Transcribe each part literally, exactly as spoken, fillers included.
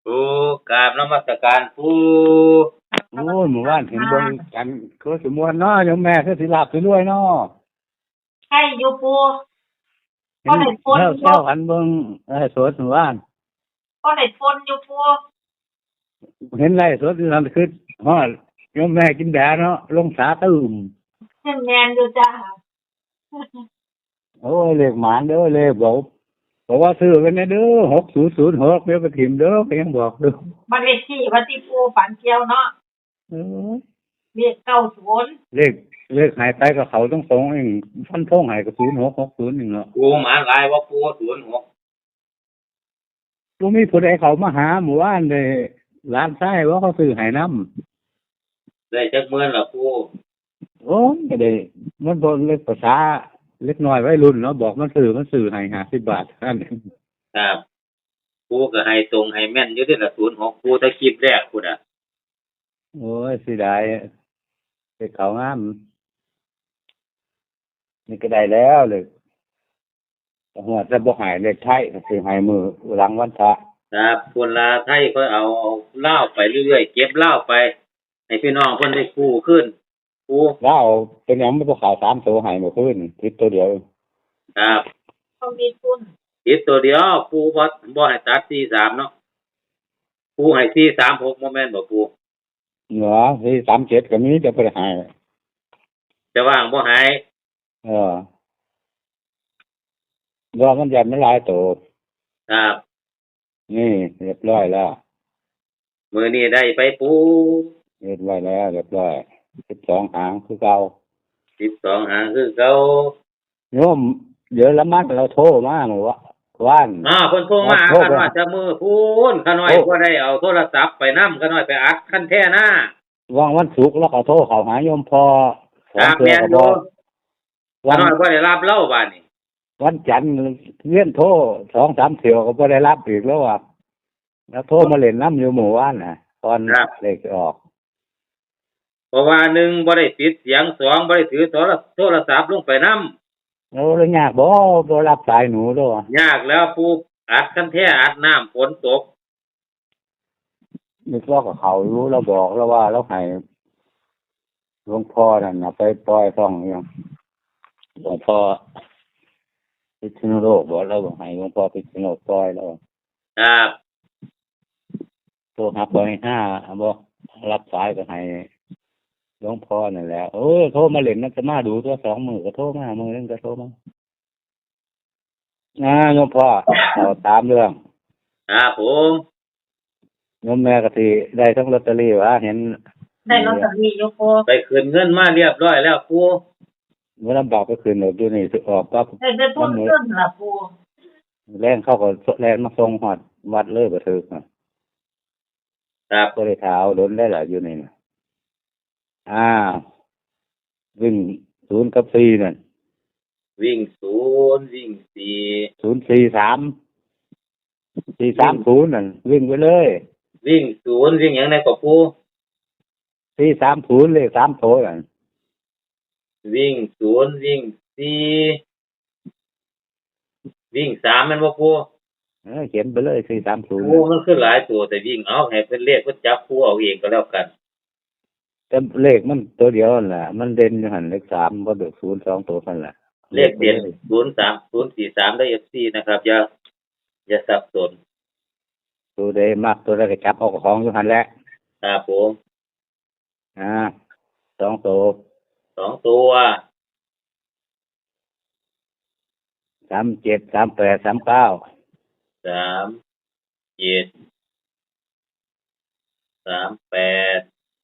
ปูกราบนมัสการปูโอ้ยหมู่บ้านเห็นเบิ่งกันคือสิม่วนเนาะโยมแม่คือสิลาบสิรวยเนาะใช่อยู่ปูเห็นก็ได้ฝนแซวอแซยู่วกันเบิ่งไอ้สดหมู่บ้านก็ได้ฝนอยู่ปูเห็นไร่สดอยู่นั่นคือฮอดโยมแม่กินแดดเนาะลงสาตื้มเช่นแมนอยู่จ้าโอ้ยเลขหมานเด้อเลขบอกบอกว่าซื้อกันเด้อหกศูนย์ศูนย์หกเดี๋ยวไปถิ่มเด้อก็ยังบอกเด้อบัตรเลขที่วัดที่ปูฝันเกี่ยวเนาะเออเรียกเก้าศูนย์เลขเลขหายไปกับเขาต้องสองเองฟันทงหายกับศูนย์หกหกศูนย์หนึ่งเนาะปูหมาหลายว่าปูศูนย์หกบ่มีผู้ใดเขามาหาหมู่บ้านเลยร้านไส้ว่าเขาซื้อให้นำได้จักเมื่อนละปูโอ้ยก็ได้มันบ่เล็กภาษาเล็กน้อยวัยรุ่นเนาะบอกมันซื้อมันซื้อให้ห้าสิบบาทนั่นเองครับปูก็ให้ตรงให้แม่นอยู่ที่ละศูนย์หกปูตะคลิปแรกพุ่นอ่ะโอ้ยเสิได้ไปเขางามนี่ก็ได้แล้วเลยหัวจะบ่หายเลขไทยก็สิให้มือหลังวันพระครับคนลาไทยก็เอาเอาเหล้าไปเรื่อยๆเก็บเหล้าไปให้พี่น้องเพิ่นได้กู้ขึ้นปูแล้วเอาเป็นหยังมันบ่ขาวสามตัวให้เมื่อคืนคิดตัวเดียวครับเขามีทุนติดตัวเดียวปูบ่บ่ให้ตัดสี่สามเนาะปูให้สี่สามหกบ่แม่นบ่ปูเหนือที่สามเจ็ดก็มีจะบ่ได้ให้จะว่างบ่ให้เออว่ามันยันมันหลายตัวครับนี่เรียบร้อยแล้วมื้อนี้ได้ไปปูเรียบร้อยแล้วเรียบร้อยสิบสองหางคือเก่าสิบสองหางคือเก่าโยมเดี๋ยวละมัดเราโทรมาเมื่อวะวานอ้าวเพิ่นโทรมาหาโทรกันไปว่าจะมือพูนขาน้อยโทรบ่ได้เอาโทรศัพท์ไปนำขาน้อยไปอัดคันแท้หน้าว่างวันศุกร์แล้วเขาโทรเขาหาโยมพอขคองรับเพื่อแม่นก็อบอยู่ กขาวันน้อยบ่ได้รับเล่าบาดนี้วันจันทร์เลื่อนโทรสองสามเที่ยวก็บ่ได้รับอีกแล้วว่ะแล้วโทรมาเล่นน้ำอยู่หมู่บ้านน่ะ ตอนเลขออกเพราะว่าหนึ่งบ่ได้ปิดเสียงสองบ่ได้ถือโทรโทรศัพท์ลงไปนำโอ้แล้วยากบ่บ่รับสายหนูด้วยว่ะยากแล้วปูอัดคันแท้อัดน้ำฝนตกนึกว่ากับเขารู้เราบอกแล้วว่าเราให้หลวงพ่อนั่นน่ะไปปล่อยท่องอยู่หลวงพ่อพิษณุโลกบอกเราบอกให้หลวงพ่อพิษณุโลกปล่อยแล้วครับโทรหาปอยห้าบอกรับสายก็ให้หลวงพ่อนั่นแหละเออโทรมาเล่นนั่นจะมาดูตัวสองมือก็โทรมามือนึงก็โทรมาอ่าหลวงพ่อเอาตามเรื่องครับผมโยมแม่ก็สิได้ทั้งลอตเตอรี่ว่าเห็นได้ลอตเตอรี่อยู่ปูไปคืนเงินมาเรียบร้อยแล้วปูเมื่อลำบากก็คืนหนอยู่นี่สิออกก็ได้ได้ทุนขึ้นล่ะปูแรงเข้าก็แรงมาส่งหอดวัดเลยบ่ถึกน่ะครับก็ได้เท้าล้นได้หลายอยู่นี่น่ะอ้าววิ่งศูนย์กับสี่นั่นวิ่งศูนย์วิ่งสี่ศูนย์สี่สามสี่สามศูนย์นั่นวิ่งไปเลยวิ่งศูนย์วิ่งหยังไงก็ปูสี่สามศูนย์เลขสามโถนั่นวิ่งศูนย์วิ่งสี่วิ่งสามแม่นบ่ปูเออเขียนไปเลยสี่สามศูนย์ปูมันคือหลายตัวแต่วิ่งเอาให้เพิ่นเลขเพิ่นจับปูเอาเองก็แล้วกันแต่เลขมันตัวเดียวนั่นแหละมันเด่นอยู่หันเลขสามบ่เดือศูนย์สองตัวนั่นแหละเลขเด่นศูนย์สาม ศูนย์สี่สามได้ เอฟ ซี นะครับอย่าอย่าสับสนตัวใดมากตัวใดก็จับเอาของอยู่หันแหละครับผมอ่าสองตัวสองตัวสามเจ็ดสามแปดสามเก้าสามเจ็ดสามแปด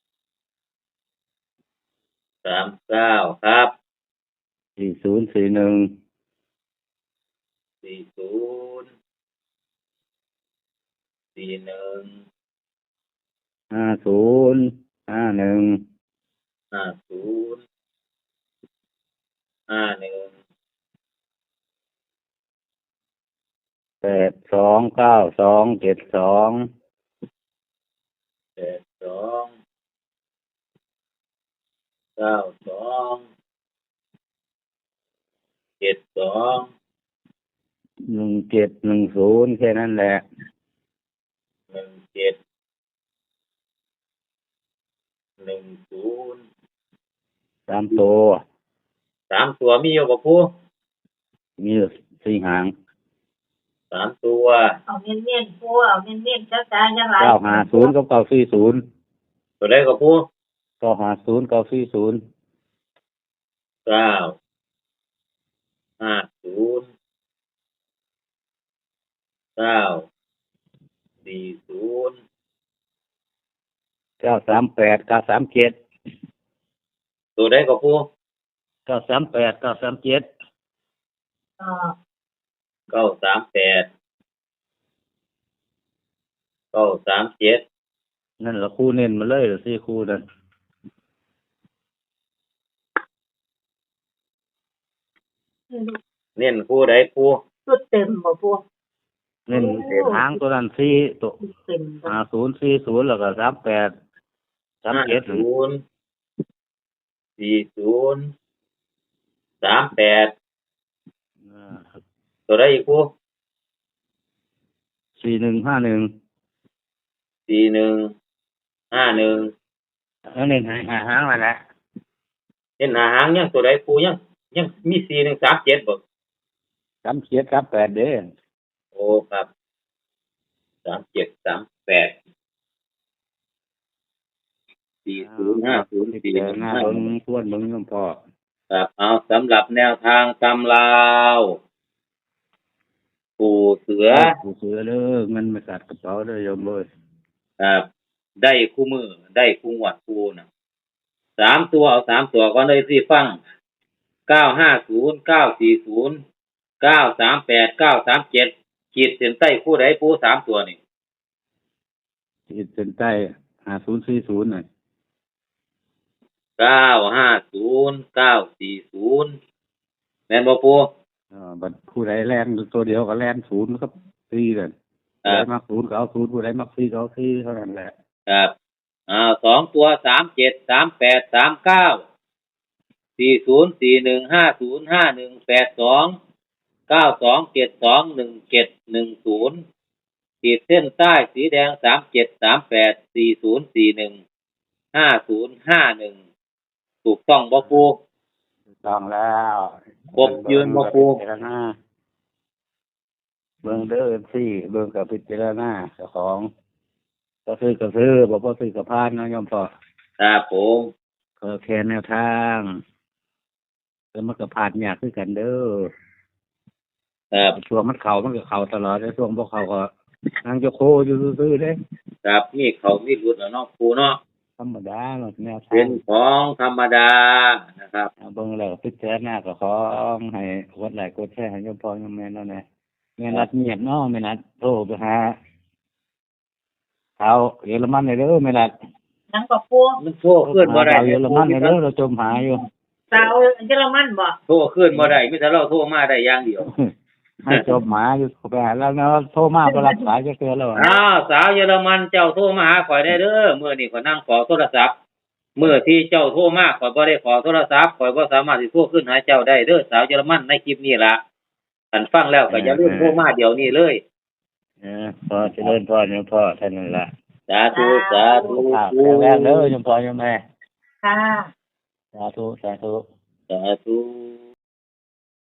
สามเก้าครับสี่ศูนย์สี่หนึ่งสี่ศูนย์สี่หนึ่งห้าศูนย์ห้าหนึ่งห้าศูนย์ห้าหนึ่งแปดสองเก้าสองเจ็ดสองแปดสองเก้าสองเจ็ดสองหนึ่งเจ็ดหนึ่งศูนย์แค่นั้นแหละหนึ่งเจ็ดหนึ่งศูนย์สามตัวสามตัวมีอยู่บ่ปูมีอยู่สี่หางสามตัวเอาเน้นๆปูเอาเน้นๆจ้าจ้าอย่าหลายเก้าห้าศูนย์กับเก้าสี่ศูนย์ตัวใดก็ปูเก้าห้าศูนย์เก้าสี่ศูนย์เก้าห้าศูนย์เก้าสี่ศูนย์เก้าสามแปดเก้าสามเจ็ดตัวใดก็ปูเก้าสามแปดเก้าสามเจ็ดเอ่อเก้าสามแปดเก้าสามเจ็ดนั่นละคู่เน้นมาเลยสี่คู่นั่นเน้นคู่ใดปูชุดเต็มบ่ปูเน้นหางตัวนั้นสี่ตัวชุดเต็มบ่ห้าศูนย์สี่ศูนย์แล้วก็สามแปดสามเจ็ดศูนย์สี่ศูนย์สามแปดตัวใดอีกปูสี่หนึ่งห้าหนึ่งสี่หนึ่งห้าหนึ่งแล้วเน้นหาหางมาแหละเห็นหาหางยังตัวใดปูยังยังมีสี่หนึ่งสามเจ็ดบ่สามเจ็ดสามแปดเด้อโอ้ครับสามเจ็ดสามแปดสี่ศูนย์ห้าศูนย์สี่หนึ่งหน้าห้าเบิ้งทวนเบิ้งยมพ่อครับเอาสำหรับแนวทางตำลาวปู่เสือผู้เสือเด้อเงินมากัดกระเป๋าเด้อโยมเอ้ยครับได้คู่มือได้คู่หวัดคู่นะสามตัวเอาสามตัวก็เลยสิฟังเก้าห้าศูนย์เก้าสี่ศูนย์เก้าสามแปดเก้าสามเจ็ดขีดเส้นใต้คู่ใดปูสามตัวนี่ขีดเส้นใต้ห้าศูนย์สี่ศูนย์น่ะเก้าห้าศูนย์เก้าสี่ศูนย์แม่นบ่ปูเอ่อบัดผู้ใดแล่นตัวเดียวก็แล่นศูนย์ครับสี่นั่นคผู้รัใดบมักศูนย์ก็เอาศูนย์ผู้ใดมักสี่ก็เอาสี่เท่านั้นแหละครับอ่าสองตัวสามเจ็ดสามแปดสามเก้าสี่ศูนย์สี่หนึ่งห้าศูนย์ห้าหนึ่งแปดสองเก้าสองเจ็ดสองหนึ่งเจ็ดหนึ่งศูนย์ขีดเส้นใต้สีแดงสามเจ็ดสามแปดสี่ศูนย์สี่หนึ่งห้าศูนย์ห้าหนึ่งถูกต้องบ่ปูต้องแล้วครบยืนบ่ครูเบิ่งกับพิจารณาเบิ่งเด้อสี่เบิ่งกับพิจารณาเจ้าของก็ซื้อก็ซื้อบ่พอซื้อก็พานเนาะโยมพ่อครับผมก็แค่แนวทางแล้วมันก็ผ่านยากคือกันเด้อครับช่วงมันเข้ามันก็เข้าตลอดแต่ช่วงบ่เข้าก็นางจะโคอยู่ซื่อๆเด้ครับมีเขามีรุดแล้วเนาะปูเนาะธรรมดาเนาะแนวทาเป็งนของธรรมดานะครับเอาเบิ่งแล้วก็พิจารณาก็ขอให้กดไลค์กดแชร์ให้โยมพ่อโยมแม่เนาะแน่แม่นัดเงียบเนาะแม่นัดโทรไปหาเอาเยอรมันเลยเด้อแม่นัดยังก็ปูมันโทรขึ้นบ่ได้เอาเยอรมันเลยเด้อเราจมหาอยู่สาวเยอรมันบ่โทรขึ้นบ่ได้มีแต่เราโทรมาได้อย่างเดียวให้จมหาอยู่ไปหาแล้วเนาะโทรมาบ่รับสายจะเตือนแล้วอะอ้าวสาวเยอรมันเจ้าโทรมาหาข่อยได้เด้อมื้อนี้ข่อยนั่งขอโทรศัพท์มื้อที่เจ้าโทรมาข่อยบ่ได้ขอโทรศัพท์ข่อยบ่สามารถสิโทรขึ้นหาเจ้าได้เด้อสาวเยอรมันในคลิปนี้ล่ะอันฟังแล้วก็อย่าลืมโทรมาเดี๋ยวนี้เลยเออพอเจริญพรโยมพ่อท่านนั่นล่ะสาธุสาธุข้าวแข็งแรงเด้อโยมพ่อโยมแม่ค่ะสาธุสาธุสาธุ